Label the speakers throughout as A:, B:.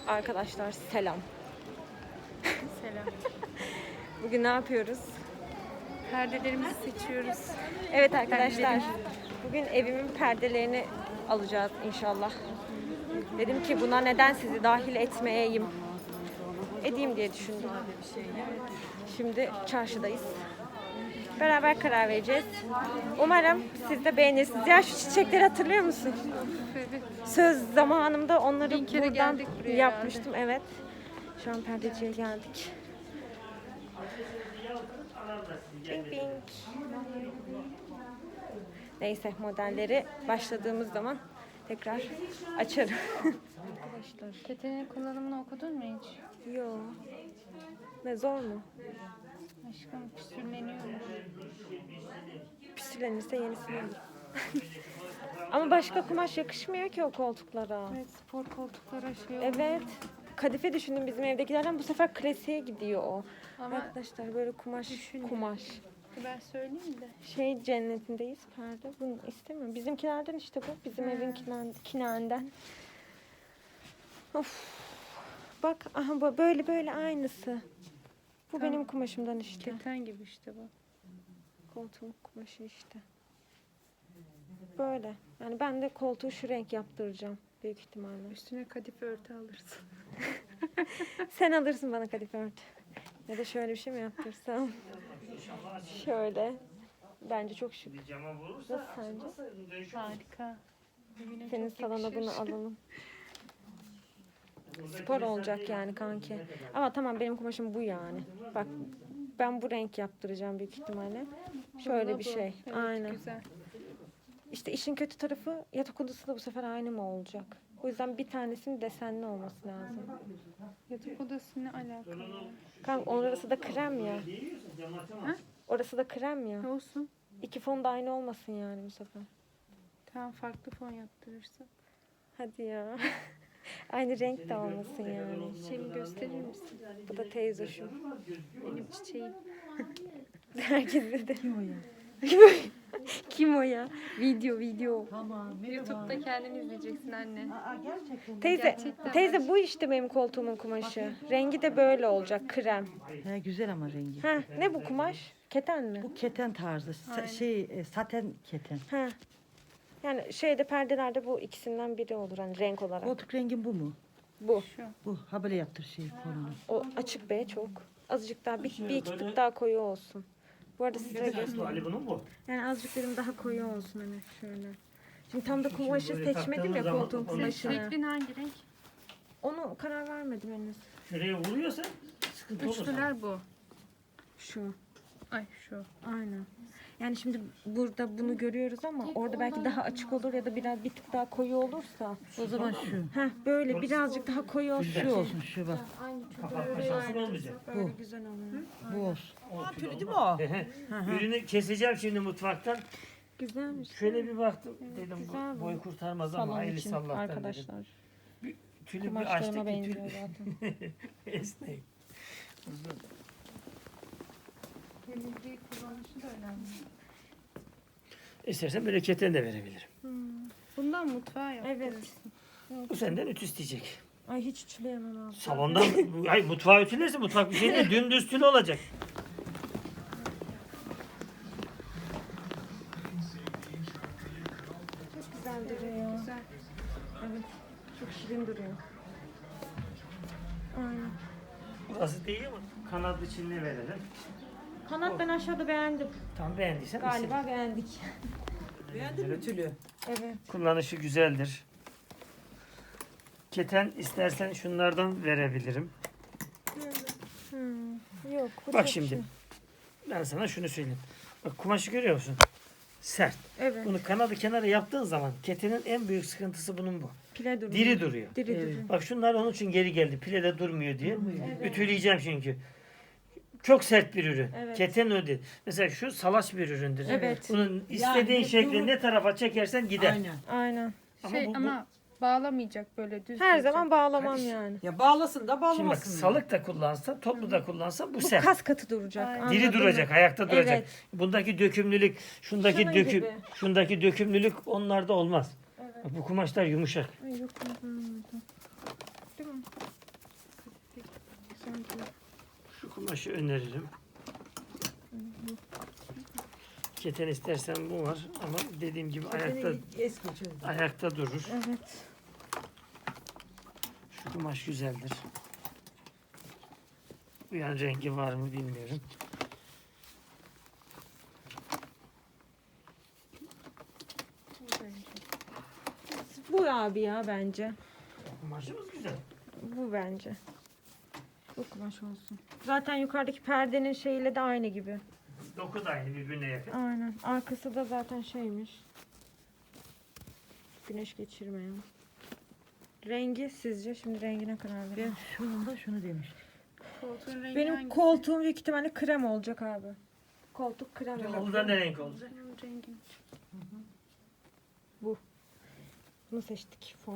A: Arkadaşlar selam.
B: Selam.
A: Bugün ne yapıyoruz?
B: Perdelerimizi seçiyoruz.
A: Evet arkadaşlar. Bugün evimin perdelerini alacağız inşallah. Dedim ki buna neden sizi dahil etmeyeyim? Edeyim diye düşündüm. Şimdi çarşıdayız. Beraber karar vereceğiz. Umarım siz de beğenirsiniz. Ya şu çiçekleri hatırlıyor musun?
B: Evet.
A: Söz zamanımda onları
B: Bir kere
A: buradan
B: geldik buraya
A: yapmıştım. Evet. Şu an perdeciye geldik. Bing bing. Neyse modelleri başladığımız zaman tekrar açarım. Arkadaşlar.
B: Ketenin kullanımını okudun mu hiç?
A: Yo. Ne zor mu?
B: Aşkım püskürleniyormuş.
A: Püslenirse yenisini alırım. Ama başka kumaş yakışmıyor ki o koltuklara.
B: Evet, spor koltuklara şey oldu.
A: Evet. Kadife düşündüm bizim evdekilerden, bu sefer klasiğe gidiyor o.
B: Ama
A: Arkadaşlar böyle kumaş
B: düşünün.
A: kumaş.
B: ben söyleyeyim de.
A: Şey cennetindeyiz perde. Bunu istemiyorum. Bizimkilerden işte bu. Bizim evin kinağından. Of. Bak aha bu böyle aynısı. Bu
B: Tamam.
A: benim kumaşımdan işte.
B: Keten gibi işte bu.
A: Koltuğun kumaşı işte. Böyle. Yani ben de koltuğu şu renk yaptıracağım. Büyük ihtimalle.
B: Üstüne kadife örtü alırsın.
A: Sen alırsın bana kadife örtü. Ya da şöyle bir şey mi yaptırsam? Şöyle. Bence çok şık. Nasıl sence?
B: Harika. Evine
A: Senin
B: çok
A: salona
B: yakışır.
A: bunu alalım. Spor olacak yani kanki. Ama tamam benim kumaşım bu yani. Bak ben bu renk yaptıracağım büyük ihtimalle. Şöyle
B: Bana
A: bir
B: bu.
A: şey.
B: Evet,
A: Aynen.
B: Güzel.
A: İşte işin kötü tarafı yatak odası da bu sefer aynı mı olacak? O yüzden bir tanesinin desenli olması lazım.
B: Yatak odası ne alakalı?
A: Kanka orası da krem ya.
B: Ha?
A: Orası da krem ya.
B: Ne olsun?
A: İki fon da aynı olmasın yani bu sefer.
B: Tamam, farklı fon yaptırırsın.
A: Hadi ya. Aynı renk de olmasın yani.
B: Çiçeğimi gösterir misin?
A: Bu da teyzoşum.
B: Benim çiçeğim.
A: Herkese de.
C: Kim o ya?
A: Kim o ya? Video.
C: Tamam.
B: YouTube'da kendini izleyeceksin anne.
C: Aa, gerçekten.
A: Teyze bu işte benim koltuğumun kumaşı. Rengi de böyle olacak krem.
C: He, güzel ama rengi.
A: Ha ne bu kumaş? Keten mi?
C: Bu keten tarzı. Saten keten.
A: Ha. Yani şeyde perdelerde bu ikisinden biri olur hani renk olarak.
C: Koltuk rengin bu mu?
A: Bu.
B: Şu.
C: Bu. Ha böyle yaptır kolunu.
A: O açık be çok. Azıcık daha bir iki tık daha koyu olsun. Bu arada size göstereyim.
D: Ali bunun bu.
A: Yani azıcık dedim daha koyu olsun hani şöyle. Şimdi tam da kumaşı
D: böyle
A: seçmedim ya
D: taktığımız zaman
A: koltuğun
D: onu
A: kumaşını.
B: Şeklin hangi renk?
A: Onu karar vermedim henüz.
D: Şuraya vuruyorsa sıkıntı olur.
B: Üçlüler bu.
A: Şu.
B: Ay şu.
A: Aynen. Yani şimdi burada bunu görüyoruz ama orada belki daha açık olur ya da bir tık daha koyu olursa.
C: O zaman şu.
A: Heh böyle birazcık daha koyu olsun.
C: Şu olsun şu bak.
D: Kapatma şansın olmayacak.
A: Böyle güzel olur.
C: Bu olsun.
D: Değil mi o? Ürünü keseceğim şimdi mutfaktan.
A: Güzelmiş.
D: Şöyle bir baktım. Dedim
A: güzel bu.
D: bu boy kurtarmaz ama
A: Salon
D: hayırlısı
A: için
D: Allah'tan dedim.
A: arkadaşlar.
D: Tülü bir
A: Kumaşlarıma
D: açtık ki
A: benziyor
D: tül
A: zaten.
D: esnek. Uzun.
B: Temizliği kullanışı da önemli.
D: İstersen böyle keten de verebilirim.
B: Bundan mutfağa yaptırırsın.
A: Evet.
D: Bu senden ütü isteyecek.
A: Ay hiç ütüleyemem abi.
D: Salondan, ay mutfağı ütülerse mutfak bir şey değil, dümdüz tülü olacak.
A: Çok güzel duruyor ya.
B: Güzel.
A: Evet. Çok şirin duruyor. Aynen.
D: Burası değil mi? Kanat içini verelim.
A: Kanat ben aşağıda beğendim.
D: Tam beğendiysen
A: Galiba beğendik.
C: Beğendin mi tülü?
A: Evet.
D: kullanışı güzeldir. Keten istersen şunlardan verebilirim.
A: Yok. Bu
D: Bak
A: çok
D: şimdi.
A: şey.
D: Ben sana şunu söyleyeyim. Bak kumaşı görüyor musun? Sert.
A: Evet.
D: Bunu kanadı kenara yaptığın zaman ketenin en büyük sıkıntısı bunun bu.
A: Pile duruyor.
D: Diri duruyor.
A: Diri duruyor.
D: Bak şunlar onun için geri geldi. Pilede durmuyor diye. Ütüleyeceğim çünkü. Çok sert bir ürün.
A: Evet.
D: Keten öyle. Mesela şu salaş bir üründür.
A: Evet.
D: Bunun istediğin
C: Yani
D: şekli
C: bunu-
D: ne tarafa çekersen gider.
C: Aynen.
A: Aynen.
D: Ama
B: Şey
D: bu- bu-
B: ama bağlamayacak böyle düz.
A: Her
B: duracak.
A: zaman bağlamam
D: Karış-
A: yani.
C: Ya bağlasın da
D: Şimdi bak
C: bağlamasın.
D: salık da kullansa, toplu da kullansa bu
A: Bu
D: sert.
A: kas katı duracak.
B: Aynen.
D: Diri
A: anladın
D: duracak,
A: mı?
D: ayakta duracak.
A: Evet.
D: Bundaki dökümlülük, şundaki
A: Şunun gibi.
D: şundaki dökümlülük onlarda olmaz.
A: Evet.
D: Bak bu kumaşlar yumuşak.
A: Ay yok. Değil mi?
B: renkli.
D: Şu kumaşı öneririm. Keten istersen bu var ama dediğim gibi
C: Eski çocuk.
D: ayakta durur.
A: Evet.
D: Şu kumaş güzeldir. Bu yan rengi var mı bilmiyorum.
A: Bu abi ya bence.
D: Kumaşımız güzel.
A: Bu bence. Bu kumaş olsun. Zaten yukarıdaki perdenin şeyiyle de aynı gibi.
D: Doku da aynı birbirine yakın.
A: Aynen. Arkası da zaten şeymiş. Güneş geçirmeyen. Rengi sizce? Şimdi rengine karar verin.
C: Ben şunun da şunu demiştim.
B: Koltuğun rengi
A: Benim
B: hangisi?
A: koltuğum büyük ihtimalle krem olacak abi. Koltuk krem
D: Yolda
A: olacak.
D: ne renk olacak?
B: Benim rengim.
A: Bunu seçtik fon.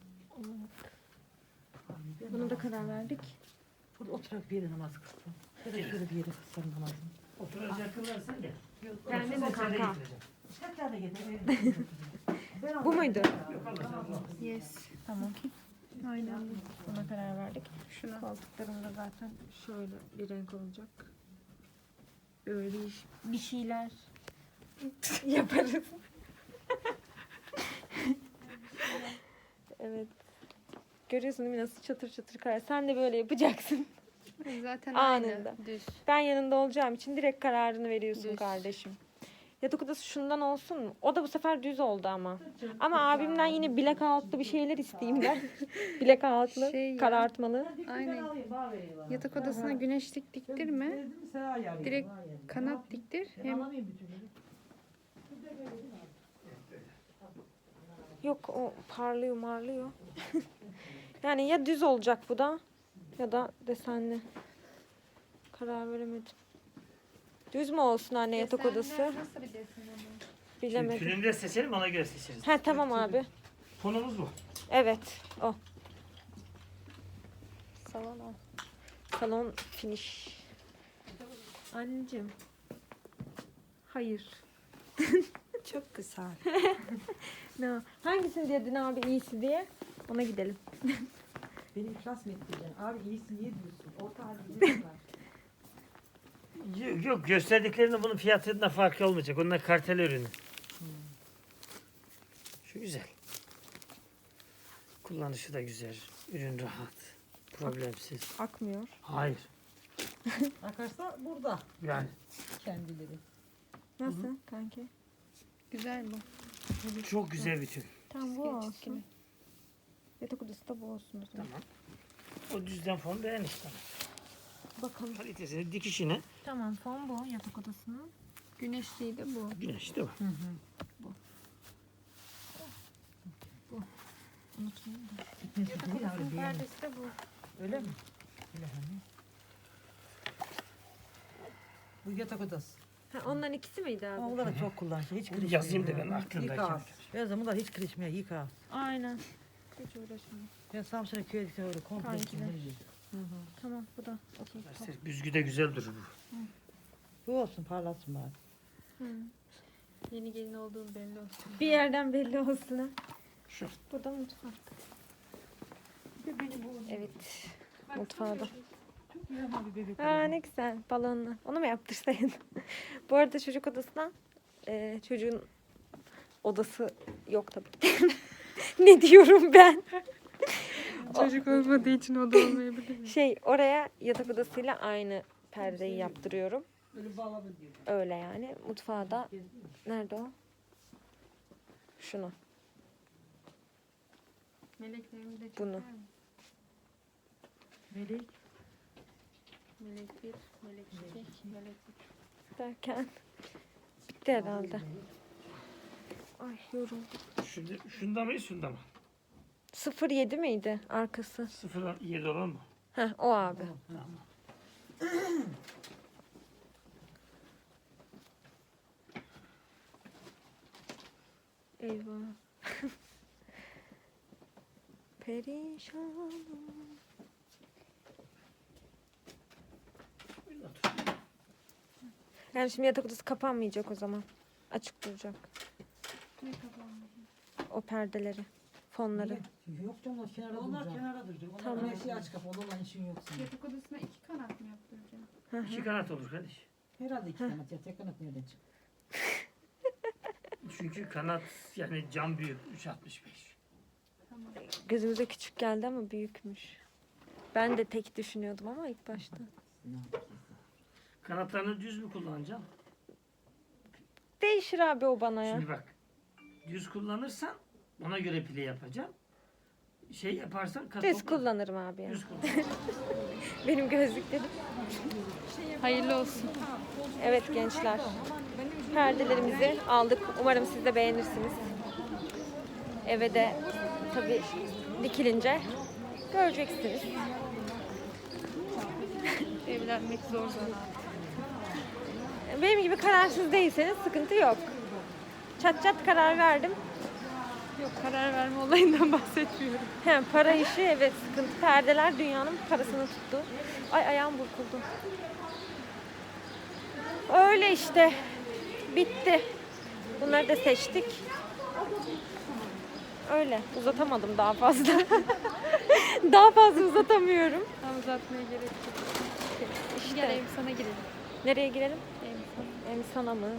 A: Buna da karar verdik.
C: Burada oturarak bir yere namaz kılsam. Ya da şöyle bir yere kılsam namazımı.
D: Oturacak kılarsan gel.
A: Kendin mi
D: Otursan
A: kanka?
D: içeri
C: Tekrar da gidelim.
A: Bu muydu?
D: Yok Allah Allah.
B: Yes.
A: Tamam.
B: Aynen bu.
A: Buna karar verdik.
B: Şuna.
A: Koltuklarım da zaten şöyle bir renk olacak. Böyle bir şeyler yaparız. Evet. Görüyorsun değil mi nasıl çatır çatır karar. Sen de böyle yapacaksın.
B: Zaten
A: Anında.
B: aynı. Düz.
A: Ben yanında olacağım için direkt kararını veriyorsun
B: Düz.
A: kardeşim. Yatak odası şundan olsun mu? O da bu sefer düz oldu ama. Ama abimden yine bilek altlı bir şeyler isteyeyim ben. Bilek altlı,
B: Şey ya.
A: karartmalı.
B: Aynen. Yatak odasına güneşlik diktirme. Direkt kanat diktir. Hem
A: Yok o parlıyor marlıyor. Yani ya düz olacak bu da ya da desenli. Karar veremedim. Düz mü olsun anne yatak odası?
B: Nasıl bir desen ama?
A: Bilemedim.
D: Tülünü de seçelim ona göre seçeriz.
A: He tamam abi.
D: Konumuz bu.
A: Evet o. Salon o. Salon finish. Anneciğim. Hayır.
C: Çok güzel.
A: Ne? Hangisini dedin abi iyisi diye? Ona gidelim.
C: Beni iflas mı ettireceksin? Abi iyisin niye diyorsun? Orta halde var.
D: Yok gösterdiklerinde bunun fiyatında farkı olmayacak. Onlar kartel ürünü. Şu güzel. Kullanışı da güzel. Ürün rahat. Problemsiz.
A: Akmıyor.
D: Hayır.
C: Akarsa burada
D: Yani
C: kendileri.
A: Nasıl kanki?
B: Güzel bu.
D: çok güzel bir tül.
A: Tamam bu
B: Geç
A: olsun.
B: gibi.
A: Yatak odası da bu olsun o zaman.
D: Tamam. O düzden fon beğen işte.
A: Bakalım.
D: Kalitesini, dikişini.
A: Tamam fon bu yatak odasının.
B: Güneşliği de bu.
D: Güneş değil mi?
A: Unutmayayım da.
C: Gitmesin değil abi beğendim.
B: Perdesi de bu.
C: Öyle mi? Öyle hani. Bu yatak odası.
A: Ha, onların ikisi miydi abi?
C: Ama bunlar da çok kullanışlı. Hiç kırışmıyor.
D: Yazayım da ben aklımdayken.
C: Yıka. Yazın bunlar hiç kırışmıyor. Yıka.
A: Aynen. Hiç uğraşmayayım.
C: Ben Samsun'a köye gittim öyle komple.
A: Kankiler.
C: sinirliyim.
A: Tamam bu da. Okey. Tamam.
D: Büzgü de güzel durur bu.
C: Bu olsun parlatsın bari.
B: Yeni gelin olduğum belli olsun.
A: Bir yerden belli olsun ha.
D: Şu.
A: Bu da mutfak. Evet. Mutfağı da.
C: Yaman bir bebek.
A: Aa ne güzel balonlu. Onu mu yaptırsaydın? Bu arada çocuk odasından çocuğun odası yok tabii ki. Ne diyorum ben?
B: Çocuk olmadığı için o da olmayabilir.
A: Şey oraya yatak odasıyla aynı perdeyi yaptırıyorum.
C: Böyle bağladı diyor.
A: Öyle yani. Mutfağı da nerede o? Şunu.
B: Meleklerimi de
A: Bunu.
B: çeker mi?
C: Melek.
B: Melek 1, melek 2, melek 3.
A: Derken bitti herhalde. Ay yoruldum.
D: Şunda mı şunda mı?
A: 07 miydi arkası?
D: 0.7 olan mı?
A: Heh o abi. Eyvah. Perişanım. Yani şimdi yatak odası kapanmayacak o zaman. Açık duracak.
B: Ne kapanmış?
A: O perdeleri. fonları.
C: Yok canım onlar kenara duracak. Onlar kenara duracak. Onlar
A: Tamam.
C: güneşi aç kapalı olan işin yok senin.
B: Yatak odasına 2 kanat mı yaptıracağım?
D: 2 kanat olur kardeş.
C: Herhalde 2 kanat ya. Tek kanat nereden çıktı?
D: Çünkü kanat yani cam büyük 3.65.
A: Gözümüze küçük geldi ama büyükmüş. Ben de tek düşünüyordum ama ilk başta.
D: Kanatlarını düz mü kullanacaksın?
A: Değişir abi o bana ya.
D: Şimdi bak. Düz kullanırsan ona göre pile yapacaksın. Şey yaparsan
A: Düz kullanırım abi ya.
D: Düz kullan.
A: Benim gözlüklerim.
B: Hayırlı olsun.
A: Evet gençler. Perdelerimizi aldık. Umarım siz de beğenirsiniz. Eve de tabii dikilince göreceksiniz.
B: Evlenmek zor zaten.
A: Benim gibi kararsız değilseniz sıkıntı yok. Çat çat karar verdim.
B: Yok, karar verme olayından bahsetmiyorum.
A: Hem para işi evet sıkıntı. Perdeler dünyanın parasını tuttu. Ay ayağım burkuldu. Öyle işte. Bitti. Bunları da seçtik. Öyle. Uzatamadım daha fazla. Daha fazla uzatamıyorum.
B: Tam uzatmaya gerek yok.
A: İşte.
B: Gel sana girelim.
A: Nereye girelim?
B: Emsan.
A: Emsan'a mı?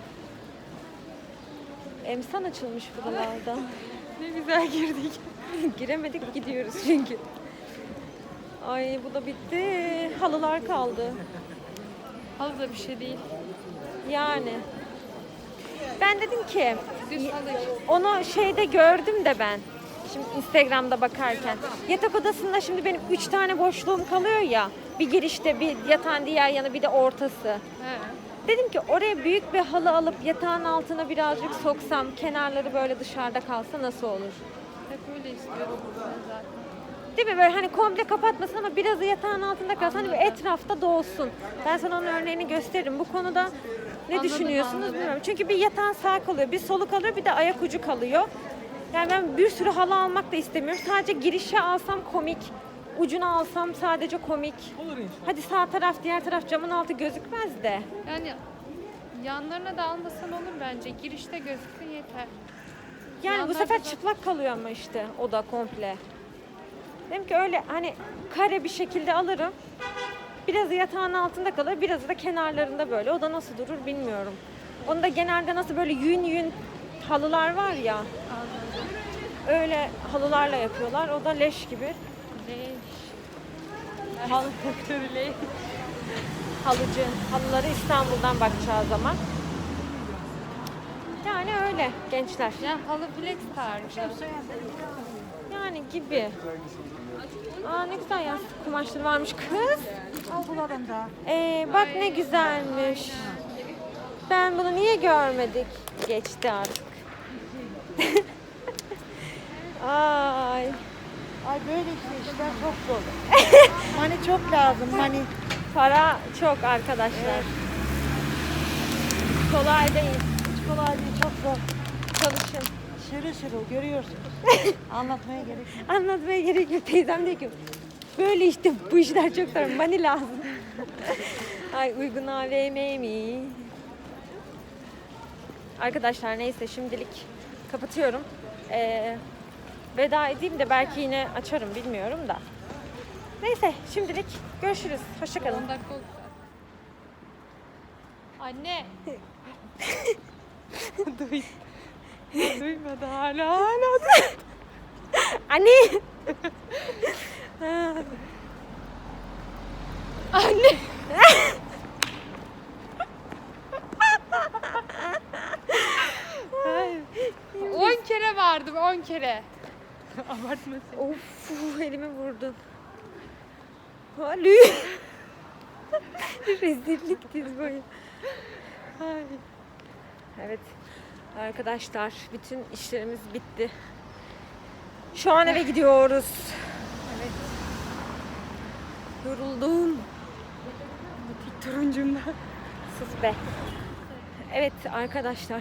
A: Emsan açılmış buralarda.
B: Ne güzel girdik.
A: Giremedik gidiyoruz çünkü. Ay bu da bitti. Halılar kaldı.
B: Halı da bir şey değil.
A: Yani. Ben dedim ki
B: Düz halı işte.
A: onu şeyde gördüm de ben. Şimdi Instagram'da bakarken. Yatak odasında şimdi benim 3 tane boşluğum kalıyor ya. Bir girişte, bir yatağın diğer yanı, bir de ortası.
B: He.
A: Dedim ki oraya büyük bir halı alıp yatağın altına birazcık soksam, kenarları böyle dışarıda kalsa nasıl olur?
B: Hep öyle istiyorum ben zaten.
A: Değil mi? Böyle hani komple kapatmasın ama birazı yatağın altında kalsın. Hani böyle etrafta doğsun. Ben sana onun örneğini gösteririm. Bu konuda ne düşünüyorsunuz bilmiyorum. Çünkü bir yatağın sağ kalıyor, bir solu kalıyor, bir de ayak ucu kalıyor. Yani ben bir sürü halı almak da istemiyorum. Sadece girişe alsam komik. Ucunu alsam sadece komik. Hadi sağ taraf, diğer taraf camın altı gözükmez de.
B: Yani yanlarına da almasan olur bence. Girişte gözüksün yeter.
A: Yani bu
B: Yanlar
A: sefer
B: güzel.
A: çıplak kalıyor ama işte o da komple. Dedim ki öyle hani kare bir şekilde alırım. Birazı yatağın altında kalır, birazı da kenarlarında böyle. O da nasıl durur bilmiyorum. Onu da genelde nasıl böyle yün yün halılar var ya. Öyle halılarla yapıyorlar. O da leş gibi. Halı halıcı. Halıları İstanbul'dan bakacağı zaman. Yani öyle gençler.
B: Ya halı flex tarzı.
A: Yani gibi. Aa ne güzel ya kumaşları varmış kız.
C: Al bulalım da.
A: Bak ne güzelmiş. Ben bunu niye görmedik? Geçti artık. Ay.
E: Ay böyle işte işler çok zor. Mani çok lazım mani.
A: Para çok arkadaşlar. Kolay değil.
E: Hiç kolay değil çok zor.
A: Çalışın.
E: Şırıl şırıl görüyorsunuz. Anlatmaya gerek yok.
A: Anlatmaya gerek yok. Teyzem diyor ki böyle işte bu işler çok zor. Money lazım. Ay uygun AVM mi? Arkadaşlar neyse şimdilik kapatıyorum. Veda edeyim de belki yine açarım bilmiyorum da. Neyse şimdilik görüşürüz. Hoşçakalın.
B: 10 dakika oldu. Anne. Duymadı hala.
A: Anne.
B: Anne.
A: Ay,
B: 10 kere vardım 10 kere. Abartma sen.
A: of elimi vurdun. Halü. Rezillik diz boyu. Ay. Evet arkadaşlar bütün işlerimiz bitti. Şu an eve gidiyoruz. Evet. Yoruldum.
B: Turuncumda.
A: Sus be. Evet arkadaşlar.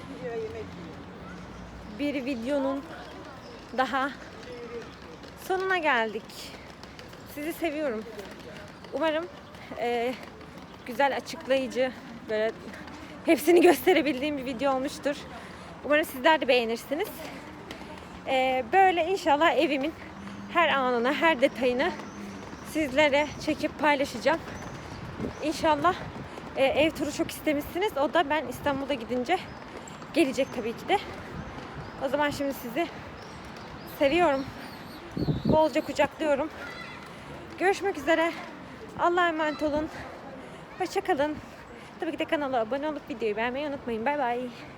A: Bir videonun daha sonuna geldik. Sizi seviyorum. Umarım güzel açıklayıcı böyle hepsini gösterebildiğim bir video olmuştur. Umarım sizler de beğenirsiniz. Böyle inşallah evimin her anını, her detayını sizlere çekip paylaşacağım. İnşallah ev turu çok istemişsiniz. O da ben İstanbul'a gidince gelecek tabii ki de. O zaman şimdi sizi seviyorum. Bolca kucaklıyorum. Görüşmek üzere. Allah'a emanet olun. Hoşça kalın. Tabii ki de kanala abone olup videoyu beğenmeyi unutmayın. Bay bay.